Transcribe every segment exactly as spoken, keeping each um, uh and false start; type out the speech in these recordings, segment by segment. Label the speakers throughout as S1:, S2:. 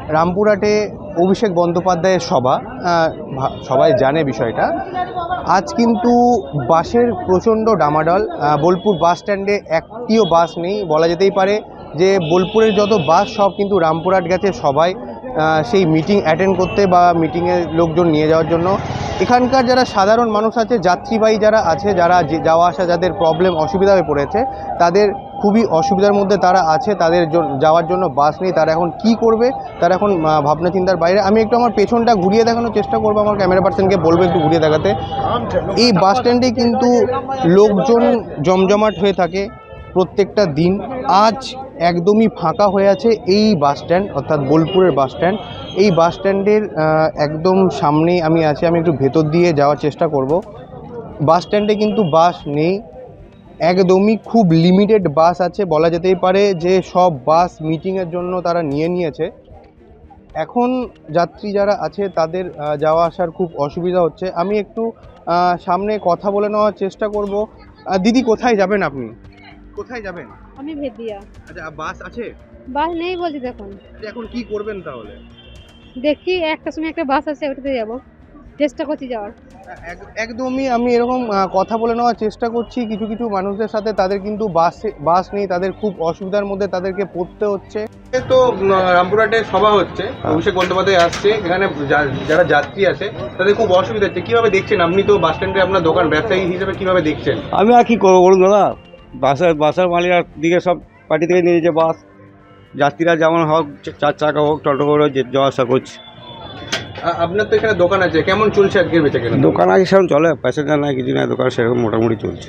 S1: রামপুরহাটে অভিষেক বন্দ্যোপাধ্যায়ের সভা, সবাই জানে বিষয়টা। আজ কিন্তু বাসের প্রচণ্ড ডামাডোল। বোলপুর বাস স্ট্যান্ডে একটিও বাস নেই। বলা যেতেই পারে যে বোলপুরের যত বাস সব কিন্তু রামপুরহাট গেছে সবাই সেই মিটিং অ্যাটেন্ড করতে বা মিটিংয়ে লোকজন নিয়ে যাওয়ার জন্য। এখানকার যারা সাধারণ মানুষ আছে, যাত্রীবাহী যারা আছে, যারা যাওয়া আসা যাদের প্রবলেম অসুবিধা হয়ে পড়েছে, তাদের খুবই অসুবিধার মধ্যে তারা আছে। তাদের যাওয়ার জন্য বাস নেই। তারা এখন কি করবে, তারা এখন ভাবনা চিন্তার বাইরে। আমি একটু আমার পেছনটা ঘুরিয়ে দেখানোর চেষ্টা করবো, আমার ক্যামেরা পার্সনকে বলবো একটু ঘুরিয়ে দেখাতে। এই বাস স্ট্যান্ডে কিন্তু লোকজন জমজমাট হয়ে থাকে প্রত্যেকটা দিন। আজ একদমই ফাঁকা হয়ে আছে এই বাস স্ট্যান্ড, অর্থাৎ বোলপুরের বাস স্ট্যান্ড। এই বাস স্ট্যান্ডের একদম সামনেই আমি আছি, আমি একটু ভেতর দিয়ে যাওয়ার চেষ্টা করব। বাস স্ট্যান্ডে কিন্তু বাস নেই, একদমই খুব লিমিটেড বাস আছে। বলা যেতেই পারে যে সব বাস মিটিংয়ের জন্য তারা নিয়ে নিয়েছে। এখন যাত্রী যারা আছে তাদের যাওয়া আসার খুব অসুবিধা হচ্ছে। আমি একটু সামনে কথা বলে নেওয়ার চেষ্টা করব। দিদি, কোথায় যাবেন আপনি? কোথায় যাবেন?
S2: আমি ভেদিয়া।
S1: আচ্ছা, বাস আছে?
S2: বাস নেই বলছি দেখুন।
S1: এখন কি করবেন তাহলে?
S2: দেখি একটা সময় একটা বাস আছে, ওটাতে যাব, চেষ্টা করছি যাওয়ার।
S1: একদমই আমি এরকম কথা বলে নেওয়ার চেষ্টা করছি কিছু কিছু মানুষদের সাথে। তাদের কিন্তু বাস বাস নেই, তাদের খুব অসুবিধার মধ্যে তাদেরকে পড়তে হচ্ছে। তো রামপুরহাটে সভা হচ্ছে, অভিষেক বন্দ্যোপাধ্যায় আসছে, এখানে যারা যাত্রী আছে তাদের খুব অসুবিধা হচ্ছে। কিভাবে দেখছেন আপনি? তো বাস স্ট্যান্ডে আপনার দোকান, ব্যবসায়ী হিসেবে কিভাবে দেখছেন?
S3: আমি আর কি করবো বলুন দাদা, বাসের বাসের মালিকের দিকে সব পার্টি থেকে নিয়ে যে বাস, যাত্রীরা যেমন হোক, চার চাকা হোক, টোটো করে যাওয়া আসা করছে।
S1: আপনার তো এখানে দোকান আছে, কেমন চলছে আজকের বেচাকেনা?
S3: দোকান আগে সেরকম চলে, প্যাসেঞ্জার নাই, কিছু নাই, দোকান সেরকম মোটামুটি চলছে।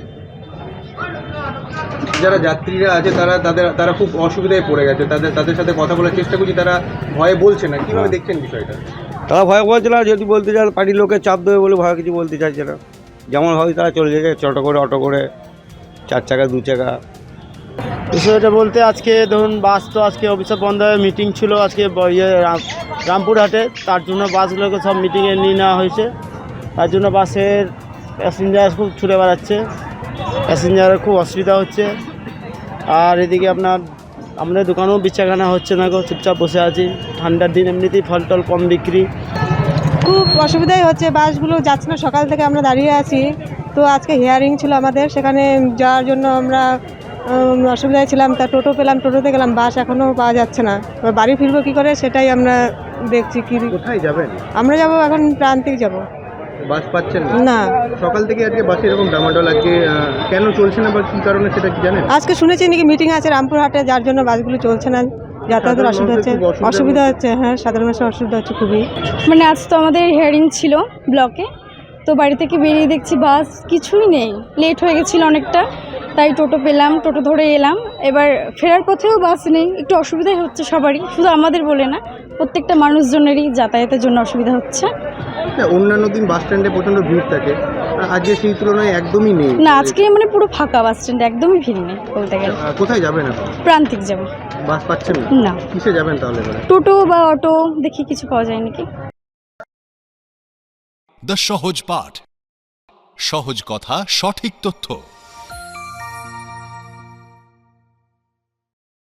S1: যারা যাত্রীরা আছে তারা তাদের তারা খুব অসুবিধায় পড়ে গেছে। তাদের তাদের সাথে কথা বলার চেষ্টা করছি, তারা ভয়ে বলছে না। কীভাবে দেখছেন বিষয়টা?
S3: তারা ভয় বলছে না, যদি বলতে চায় পার্টির লোকের চাপ দেবে বলে ভয় কিছু বলতে চাইছে না। যেমন হয় তারা চলে যাচ্ছে, টোটো করে, অটো করে, চার চাকা, দু চাকা।
S4: বিষয়টা বলতে আজকে ধরুন বাস তো আজকে অফিসে বন্ধ হয়ে মিটিং ছিল আজকে ইয়ে রামপুরহাটে, তার জন্য বাসগুলোকে সব মিটিংয়ে নিয়ে নেওয়া হয়েছে। তার জন্য বাসের প্যাসেঞ্জার খুব ছুটে বেড়াচ্ছে, প্যাসেঞ্জারের খুব অসুবিধা হচ্ছে। আর এদিকে আপনার আমাদের দোকানেও বেচাকেনা হচ্ছে না গো, চুপচাপ বসে আছি। ঠান্ডার দিন এমনিতেই ফল টল কম বিক্রি,
S5: খুব অসুবিধাই হচ্ছে। বাসগুলো যাচ্ছে না, সকাল থেকে আমরা দাঁড়িয়ে আছি। তো আজকে হিয়ারিং ছিল আমাদের, সেখানে যাওয়ার জন্য আমরা অসুবিধায় ছিলাম। তা টোটো পেলাম, টোটোতে গেলাম, বাস এখনও পাওয়া যাচ্ছে না। বাড়ি ফিরবো কী করে সেটাই আমরা দেখছি। কি
S1: কোথায় যাবেন?
S5: আমরা যাব এখন প্রান্তিক যাব।
S1: বাস পাচ্ছেন
S5: না?
S1: সকাল থেকে আজকে বাসে এরকম ডামাডোল। আজকে কেন চলছে না বা কী কারণে সেটা কি জানেন?
S5: আজকে শুনেছি নাকি মিটিং আছে রামপুরহাটে, যার জন্য বাসগুলো চলছে না, যাতায়াতের অসুবিধা হচ্ছে। অসুবিধা হচ্ছে, হ্যাঁ, সাধারণ মানুষের অসুবিধা হচ্ছে খুবই।
S2: মানে আজ তো আমাদের হিয়ারিং ছিল ব্লকে, তো বাড়ি থেকে বেরিয়ে দেখছি বাস কিছুই নেই, লেট হয়ে গেছিলো অনেকটা, তাই টোটো পেলাম, টোটো ধরে এলাম। এবার ফেরার পথেও বাস নেই, একটু অসুবিধাই হচ্ছে সবারই, শুধু আমাদের বলে না, প্রত্যেকটা মানুষজনেরই যাতায়াতের জন্য অসুবিধা হচ্ছে।
S1: অন্যান্য দিন বাস স্ট্যান্ডে প্রচণ্ড ভিড় থাকে, আজকে সেই তুলনায় একদমই নেই
S2: না। আজকে মানে পুরো ফাঁকা বাস স্ট্যান্ডে, একদমই ভিড় নেই বলতে গেলে।
S1: কোথায় যাবেন এখন?
S2: প্রান্তিক যাব।
S1: বাস পাচ্ছেন
S2: না?
S1: কিসে যাবেন তাহলে?
S2: টোটো বা অটো দেখি কিছু পাওয়া যায় নাকি।
S6: দ্য সহজ পাঠ, সহজ কথা, সঠিক তথ্য।